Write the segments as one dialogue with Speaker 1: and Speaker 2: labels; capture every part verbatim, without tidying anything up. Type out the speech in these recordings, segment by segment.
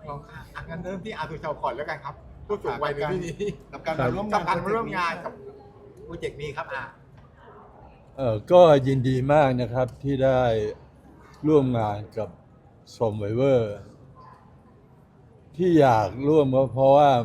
Speaker 1: ลองอ่ะงั้นเริ่มที่อาตุชาวก่อนแล้วกันครับผู้สูงวัยในที่นี้
Speaker 2: กับการมาร่วม
Speaker 1: กั
Speaker 2: งา
Speaker 1: บ
Speaker 2: น
Speaker 1: การมาร่วมงานกับโปรเจกต์นี้ครับอ่ะ
Speaker 3: เอ่อก็ยินดีมากนะครับที่ได้ร่วมงานกับซอมไวเวอร์ที่อยากร่วมก็เพราะว่า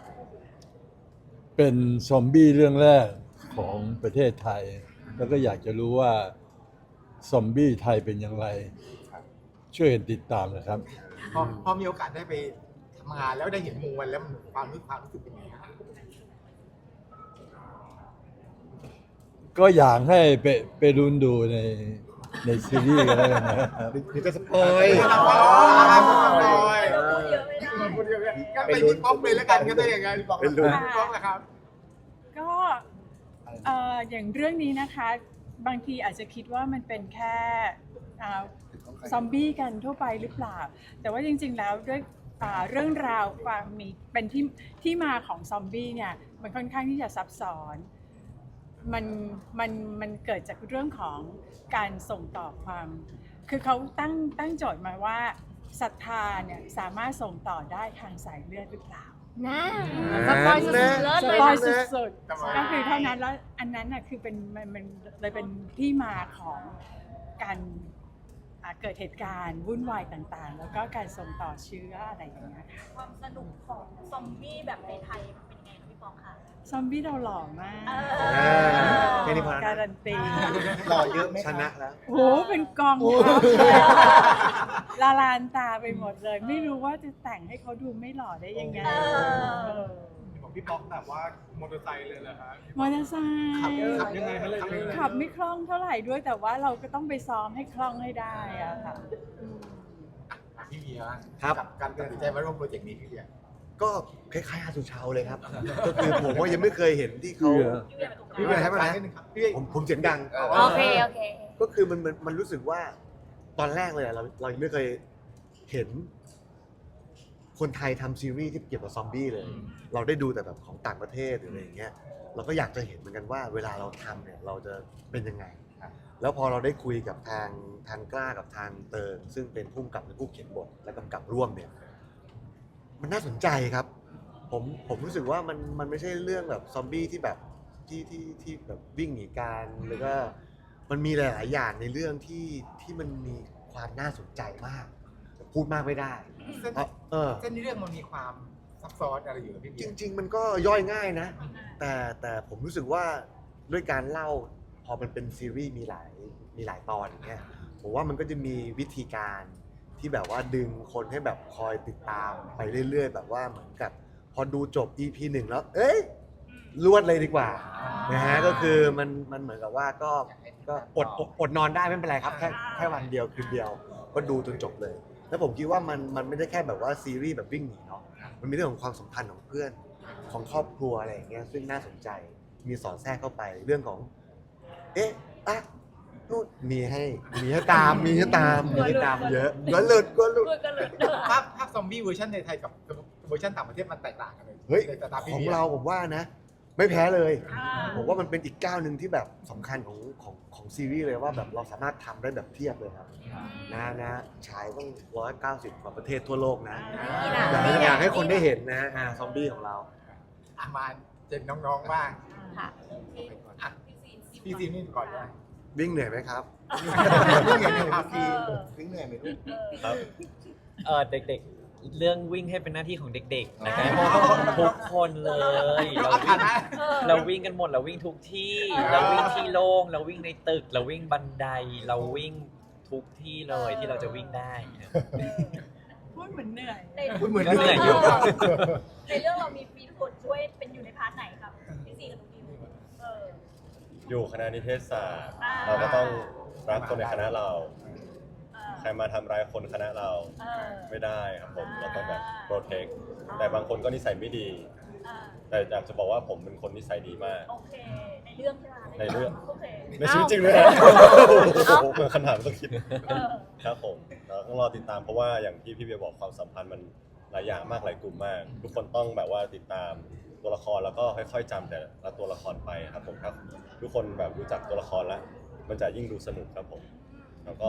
Speaker 3: เป็นซอมบี้เรื่องแรกของประเทศไทย แล้วก็อยากจะรู้ว่าซอมบี้ไทยเป็นอย่างไร ช่วยกันติดตามนะครับ
Speaker 1: พอพอมีโอกาสได้ไปทำงานแล้วได้เห็นมวลแล้วมันความรู้ความรู้สึกเป็นยังไงครับ
Speaker 3: ก็อยากให้ไปไปรุนดูในในซีรีส์กันแล้วกันนะครับ
Speaker 2: หรือจะสปอย
Speaker 1: ไม่ต้องรอไม่ต้องรอ
Speaker 4: พูดเยอะไม่ได้
Speaker 1: พูดเยอะไม่ได้ก็ไปที่ป๊อปเลยแล้วกันก็ได้ยังไงป๊อป
Speaker 2: เป็นลุ้น
Speaker 1: ป๊อปนะครับ
Speaker 5: ก็เอ่ออย่างเรื่องนี้นะคะ บางทีอาจจะคิดว่ามันเป็นแค่อ่าซอมบี้กันทั่วไปหรือเปล่า แต่ว่าจริงๆแล้วด้วยอ่าเรื่องราวความมีเป็นที่ที่มาของซอมบี้เนี่ยมันค่อนข้างที่จะซับซ้อนมันมันมันเกิดจากเรื่องของการส่งต่อความ คือเขาตั้งตั้งโจทย์มาว่าศรัทธาเนี่ยสามารถส่งต่อได้ทางสายเลือดหรือเปล่า
Speaker 4: นะสปอยสุดๆเลิศ
Speaker 5: ส
Speaker 4: เลย
Speaker 5: ปอย
Speaker 4: นะ
Speaker 5: สุด
Speaker 1: ทำไม
Speaker 5: ๆก็คือเท่านั้นแล้วอันนั้นน่ะคือเป็นมันมันเลยเป็นที่มาของการอ่าเกิดเหตุการณ์วุ่นวายต่างๆ แล้วก็การส่งต่อเชื้ออะไรอย่างเงี้ยค่ะ
Speaker 4: ความสนุกของซอมบี้แบบในไทยเป็นยังไงคะพี่ปองคะ
Speaker 5: ซอมบี้เราหล่อมาก
Speaker 4: เอ
Speaker 2: แค่นี้พอแล้วนะ
Speaker 5: การันตี
Speaker 2: หล่อเยอะไหมชนะแล้ว
Speaker 5: โอ้โหเป็นกองทัพละลานตาไปหมดเลย ไม่รู้ว่าจะแต่งให้เขาดูไม่หล่อได้ยังไง
Speaker 4: เออ
Speaker 1: ของพี่ป๊อกแบบว่ามอเตอร์ไซค์เลยเหรอครับ
Speaker 5: มอเตอร์ไซค์
Speaker 1: ขับขับยังไงครับเลย
Speaker 5: ขับไม่คล่องเท่าไหร่ด้วยแต่ว่าเราก็ต้องไปซ้อมให้คล่องให้ได้อะค่ะอืม
Speaker 1: พี่เบียร์
Speaker 2: ครับ
Speaker 1: กับการตัดสินใจมาร่วมโปรเจกต์นี้พี่เบียร์
Speaker 2: ก็คล้ายๆอาสุชาวเลยครับ ก็คือผมว่ายังไม่เคยเห็นที่เขา
Speaker 4: พี่เวียเป็นตรงก
Speaker 2: พี่
Speaker 4: ลาง
Speaker 2: เบียร์ให้มานะ
Speaker 1: นิดนึงครับพี่เบียร์
Speaker 2: ผมผมเสียงดัง
Speaker 4: โอเคโอเค
Speaker 2: ก็คือมันมันมันรู้สึกว่าตอนแรกเลยอะเราเรายังไม่เคยเห็น คนไทยทำซีรีส์ที่เกี่ยวกับซอมบี้เลย เราได้ดูแต่แบบของต่างประเทศหรืออะไรอย่างเงี้ยเราก็อยากจะเห็นเหมือนกันว่า เวลาเราทำเนี่ยเราจะเป็นยังไง แล้วพอเราได้คุยกับทางทางกล้ากับทางเติงซึ่งเป็นผู้กำกับและผู้เขียนบทและกำกับร่วมเนี่ย มันน่าสนใจครับ ผมผมรู้สึกว่ามันมันไม่ใช่เรื่องแบบซอมบี้ที่แบบที่ที่ที่แบบวิ่งหนีกันหรือก็มันมีหลาย ๆ อย่างในเรื่องที่ที่มันมีความน่าสนใจมากแต่พูดมากไม่ได้
Speaker 1: เส้น
Speaker 2: เพราะเออ
Speaker 1: เส้นเรื่องมันมีความซับซ้อนอะไรอยู่กับพี่เบี
Speaker 2: จ
Speaker 1: ยร์
Speaker 2: ริง ๆ มันก็ย่อยง่ายนะ แต่แต่ผมรู้สึกว่าด้วยการเล่าพอมันเป็นซีรีส์มีหลายมีหลายตอนอย่างเงี้ยผมว่ามันก็จะมีวิธีการที่แบบว่าดึงคนให้แบบคอยติดตามไปเรื่อย ๆ แบบว่าเหมือนกับ พอดูจบ อี พี หนึ่งแล้ว เอ้ยรวดเลยดีกว่านะฮะก็คือมันมันเหมือนกับว่าก็ก็อดอดอดนอนได้ไม่เป็นไรครับแค่แค่วันเดียวคืนเดียว ก็ดูจนจบเลย แล้วผมคิดว่ามันมันไม่ได้แค่แบบว่าซีรีส์แบบวิ่งหนีเนาะมันมีเรื่องของความสัมพันธ์ของเพื่อนของครอบครัวอะไรอย่างเงี้ยซึ่งน่าสนใจมีสอนแทรกเข้าไปเรื่องของ เอ๊ะอะนู่นมีให้มีให้ตามมีให้ตามมีให้ตามเยอะก็หลุดก็หลุด
Speaker 4: พูดกันเลย
Speaker 1: ภาพภาพซอมบี้เวอร์ชันในไทยกับเวอร์ชันต่างประเทศมันแตกต่างกันเลย
Speaker 2: เฮ้ย
Speaker 1: ในสายตาพี่
Speaker 2: ของ
Speaker 1: บีย
Speaker 2: เราผมว่านะ ไม่แพ้เลย
Speaker 4: อ่า
Speaker 2: ผมว่ามันเป็นอีกก้าวหนึ่งที่แบบสำคัญของของของซีรีส์เลยว่าแบบเราสามารถทำได้แบบเทียบเลยครับนะนะฉายต้องร้อยเก้าสิบกว่าประเทศทั่วโลกนะ
Speaker 4: นี่นะ
Speaker 2: อยากให้อยากให้คนได้เห็นนะอ่าซอมบี้ของเรา
Speaker 1: อ่ะมาเจนน้องๆบ้าง
Speaker 4: ค่ะ
Speaker 1: อ่ะพี่ซีนี่ก่อนได้
Speaker 2: วิ่งเหนื่อยไหมครับ
Speaker 1: พี่เห็นในภาพพี่
Speaker 2: วิ่งเหนื่อยไหมลูก
Speaker 6: ครับเออเด็กๆ เรื่องวิ่งให้เป็นหน้าที่ของเด็กๆนะครับทุกคนเลยเรา
Speaker 1: เอา
Speaker 6: วิ่
Speaker 1: ฐาง นะ
Speaker 6: เราวิ่งกันหมดเราวิ่งทุกที่ เราวิ่งที่โล่งเราวิ่งในตึก เราวิ่งบันได เราวิ่งทุกที่เลยที่เราจะวิ่งได้
Speaker 5: พูดเหมือนเหนื่อย
Speaker 4: ใน
Speaker 1: พูดเหมือน
Speaker 6: ก็เหนื่อยอยู่
Speaker 4: ในเรื่องเรามีฟีดคนช่วยเป็นอยู่ในพาร์ทไหนครับพี่ซีกับพี่ดิวเออ
Speaker 7: อยู่คณะนิเทศศาสตร์
Speaker 4: อ่า
Speaker 7: เราก็ต้องรักคนในคณะเรา
Speaker 4: เออ
Speaker 7: ใครมาทำร้ายคนคณะเรา
Speaker 4: เออ
Speaker 7: ไม่ได้ครับผม
Speaker 4: อ่า
Speaker 7: เราต้องแบบโปรเทคแต่บางคนก็นิสัยไม่ดี
Speaker 4: เออ
Speaker 7: แต่อยากจะบอกว่าผมเป็นคนนิสัยดีมาก
Speaker 4: โอเค ในเรื่องใช่ไหม
Speaker 7: ในเรื่อง
Speaker 4: โอเค
Speaker 7: ในชีวิตจริงเลยนะเมื่อคำถามต้องคิด
Speaker 4: เออ
Speaker 7: ครับผมเราต้องรอติดตามเพราะว่าอย่างที่พี่เบียร์บอกความสัมพันธ์มันหลายอย่างมากหลายกลุ่มมาก ทุกคนต้องแบบว่าติดตามตัวละครแล้วก็ค่อยๆจำแต่ละตัวละครไปครับผมครับ ทุกคนแบบรู้จักตัวละครแล้ว มันจะยิ่งดูสนุกครับผม แล้วก็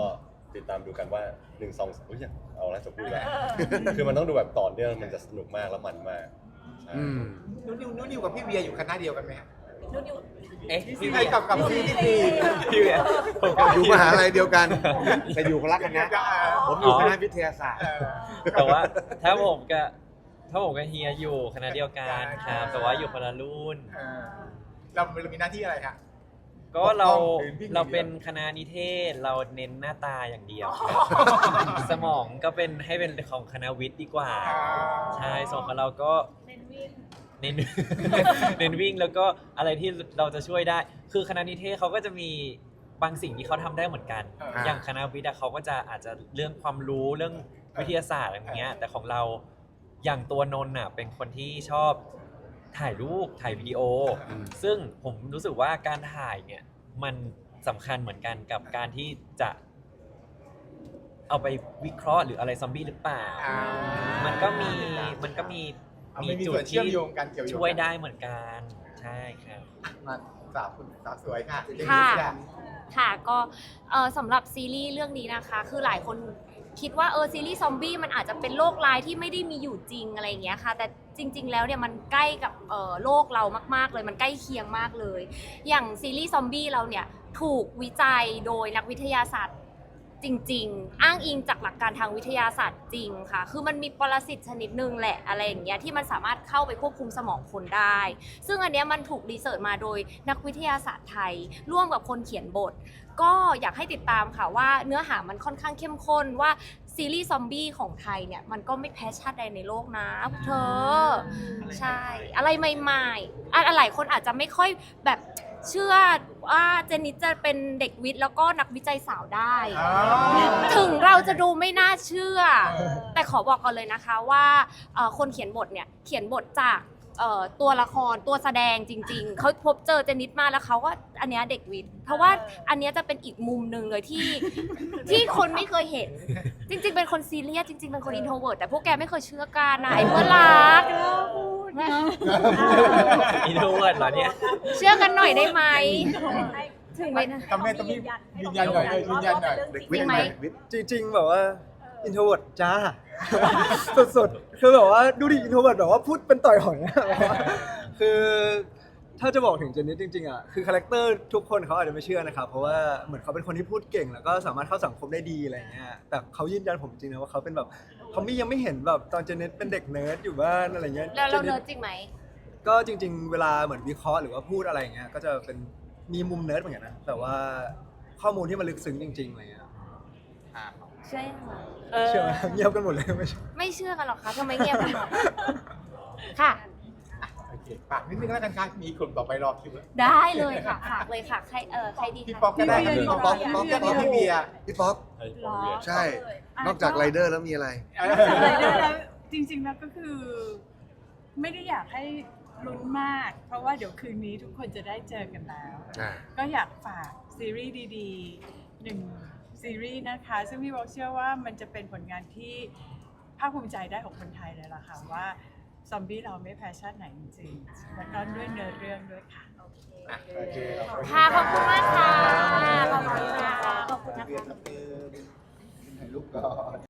Speaker 7: ติดตามดูกันว่าหนึ่งสองอุ้ยอย่างเอาแล้วจะพูดแล้วคือมันต้องดูแบบต่อเนื่องมันจะสนุกมากแล้วมันมากใช่
Speaker 2: อืม
Speaker 1: นุนิวนุนิวกับพี่เวียอยู่คณะเดียวกันไหมฮะ
Speaker 4: นู่นอยู่
Speaker 6: เอ๊ะ
Speaker 1: พี่
Speaker 6: พี่
Speaker 1: เวียกับกับพี่ที่ดี
Speaker 6: พี่เวียผมก็
Speaker 2: อยู่มหาลัยเดียวกัน แต่อยู่คนละคณะผมอยู่คณะวิทยาศาสตร์
Speaker 1: เออ
Speaker 6: แต่ว่าถ้าผมกับถ้าผมกับเฮียอยู่คณะเดียวกันครับแต่ว่าอยู่คนละรุ่น
Speaker 1: เออเราเรามีหน้าที่อะไรคะ
Speaker 6: ก็เรา
Speaker 1: ปกป้องหรือวิ่ง
Speaker 6: เราเป็นคณะนิเทศเราเน้นหน้าตาอย่างเดียวครับสมองก็เป็นให้เป็นของคณะวิทย์ดีกว่า ใช่ส่วนของเราก็
Speaker 4: เน้นวิ่ง
Speaker 6: เน้น เน้นวิ่งแล้วก็อะไรที่เราจะช่วยได้ คือคณะนิเทศเขาก็จะมีบางสิ่งที่เขาทำได้เหมือนกัน
Speaker 1: อ่า
Speaker 6: อย่างคณะวิทย์อะเขาก็จะอาจจะเรื่องความรู้เรื่องวิทยาศาสตร์อะไรอย่างเงี้ย แต่ของเราอย่างตัวนนท์น่ะเป็นคนที่ชอบถ่ายรูปถ่ายวิดีโอ
Speaker 2: อืม
Speaker 6: ซึ่งผมรู้สึกว่าการถ่ายเนี่ยมันสำคัญเหมือนกันกับการที่จะเอาไปวิเคราะห์หรืออะไรซอมบี้หรือเปล่า
Speaker 1: อ่า
Speaker 6: มันก็มีมันก็มี
Speaker 1: เอาไม่มีส่วนเชื่อมโยงกันเกี่ยวโยงกัน
Speaker 6: ช่วยได้เหมือนกัน ใช่ครับ
Speaker 1: มาสาวคุณสาวสวยค่ะ
Speaker 8: ค่ะ
Speaker 1: เจนนี่
Speaker 8: ค่ะก็เอ่อสำหรับซีรีส์เรื่องนี้นะคะ คือหลายคนคิดว่าเออซีรีส์ซอมบี้มันอาจจะเป็นโรคร้ายที่ไม่ได้มีอยู่จริงอะไรอย่างเงี้ยค่ะแต่จริง ๆ แล้วเนี่ยมันใกล้กับเอ่อโลกเรามากๆเลยมันใกล้เคียงมากเลย อย่างซีรีส์ซอมบี้เราเนี่ยถูกวิจัยโดยนักวิทยาศาสตร์จริง ๆ อ้างอิงจากหลักการทางวิทยาศาสตร์จริงค่ะ คือมันมีปรสิตชนิดหนึ่งแหละอะไรอย่างเงี้ยที่มันสามารถเข้าไปควบคุมสมองคนได้ ซึ่งอันเนี้ยมันถูกรีเสิร์ชมาโดยนักวิทยาศาสตร์ไทย ร่วมกับคนเขียนบท ก็อยากให้ติดตามค่ะว่าเนื้อหามันค่อนข้างเข้มข้นว่าซีรีส์ซอมบี้ของไทยเนี่ยมันก็ไม่แพ้ชาติใดในโลกนะพวกเธอ ใช่ อะไรใหม่ๆอะหลายคนอาจจะไม่ค่อยแบบเชื่อว่าเจนนิสจะเป็นเด็กวิทย์แล้วก็นักวิจัยสาวได้
Speaker 1: อ๋อ
Speaker 8: ถึงเราจะดูไม่น่าเชื่อ แต่ขอบอกก่อนเลยนะคะว่าเอ่อคนเขียนบทเนี่ยเขียนบทจากเอ่อตัวละครตัวแสดงจริง ๆ เขาพบเจอเจนนิสมาแล้วเขาก็อันเนี้ยเด็กวิทย์เพราะว่าอันเนี้ยจะเป็นอีกมุมหนึ่งเลยที่ ที่คนไม่เคยเห็น จริง ๆ เป็นคนซีเรียสจริง ๆ เป็นคนอินโทรเวิร์ตแต่พวกแกไม่เคยเชื่อกันนะไอ้เพื่อนรัก
Speaker 6: อินโทรเวิร์ดเหรอเนี่ย
Speaker 8: เชื่อกันหน่อยได้ไหม
Speaker 4: ให้
Speaker 8: ถึงไหมนะ
Speaker 1: ทำไมต้องมียืนยันหน่อยเออยืนยันหน่อย
Speaker 2: เด็ก
Speaker 8: จริงไหม
Speaker 2: วิทย์
Speaker 9: จริงๆแบบว่าอินโทรเวิร์ดจ้า สุดๆคือแบบว่าดูดิอินโทรเวิร์ดแบบว่าพูดเป็นต่อยหอยอะแบบว่าคือถ้าจะบอกถึงเจนนี่จริงๆอ่ะคือคาแรคเตอร์ทุกคนเขาอาจจะไม่เชื่อนะครับเพราะว่าเหมือนเขาเป็นคนที่พูดเก่งแล้วก็สามารถเข้าสังคมได้ดีอะไรเงี้ยแต่เขายืนยันผมจริงนะว่าเขาเป็นแบบเขาไม่ยังไม่เห็นแบบตอนเจนนี่เป็นเด็กเนิร์ดอยู่บ้านอะไรเงี้ย
Speaker 8: แล้วเรา
Speaker 9: จ
Speaker 8: เนิร์ดจริงไหม
Speaker 9: ก็จริง ๆ เวลาเหมือนวิเคราะห์หรือว่าพูดอะไรอย่างเงี้ยก็จะเป็นมีมุมเนิร์ดเหมือนกันนะแต่ว่าข้อมูลที่มันลึกซึ้งจริงๆอะไรเงี้ย
Speaker 8: เชื่อยังไง
Speaker 9: เชื่อไหมเงียบกันหมดเลยไม่ใช่
Speaker 8: ไม่เชื่อกันหรอกคะทำไมเงียบกันหมดค่ะ
Speaker 1: โอเคฝากนิดนึงแล้วกันค่ะมีกลุ่มต่อไปรอคิวแล้ว
Speaker 8: ได้เลยค่ะฝากเลยค่ะใครเออใครดี
Speaker 1: พี่
Speaker 8: คะ
Speaker 1: ป๊อกก็ได้ครับ
Speaker 5: พี่
Speaker 1: พี่
Speaker 5: เวี
Speaker 1: ป๊
Speaker 5: ย
Speaker 1: อกป๊อกป๊อกก็พี่เบียร์
Speaker 2: พี่ป๊อก
Speaker 7: ให้ผมเรียน
Speaker 2: ใช่ นอกจากไรเดอร์แล้วมีอะไร
Speaker 1: เออ
Speaker 5: แล้วจริงๆแล้วก็คือ ไม่ได้อยากให้ลุ้นมาก เพราะว่าเดี๋ยวคืนนี้ทุกคนจะได้เจอกันแล้ว
Speaker 2: อ่า
Speaker 5: ก็อยากฝากซีรีส์ดีๆหนึ่งซีรีส์นะคะ ซึ่งพี่บอกเชื่อว่ามันจะเป็นผลงานที่ภาคภูมิใจได้ของคนไทยเลยล่ะค่ะว่าซอมบี้เราไม่แพ้ชาติไหนจริงๆแล้วก็ด้วยเนื้อเรื่องด้วยค่ะ
Speaker 1: โอเคขอบคุณ
Speaker 8: ค่ะขอบคุณมากค่ะขอบคุณค่ะขอบคุณนะคะ
Speaker 1: ถ่ายรูปก่อน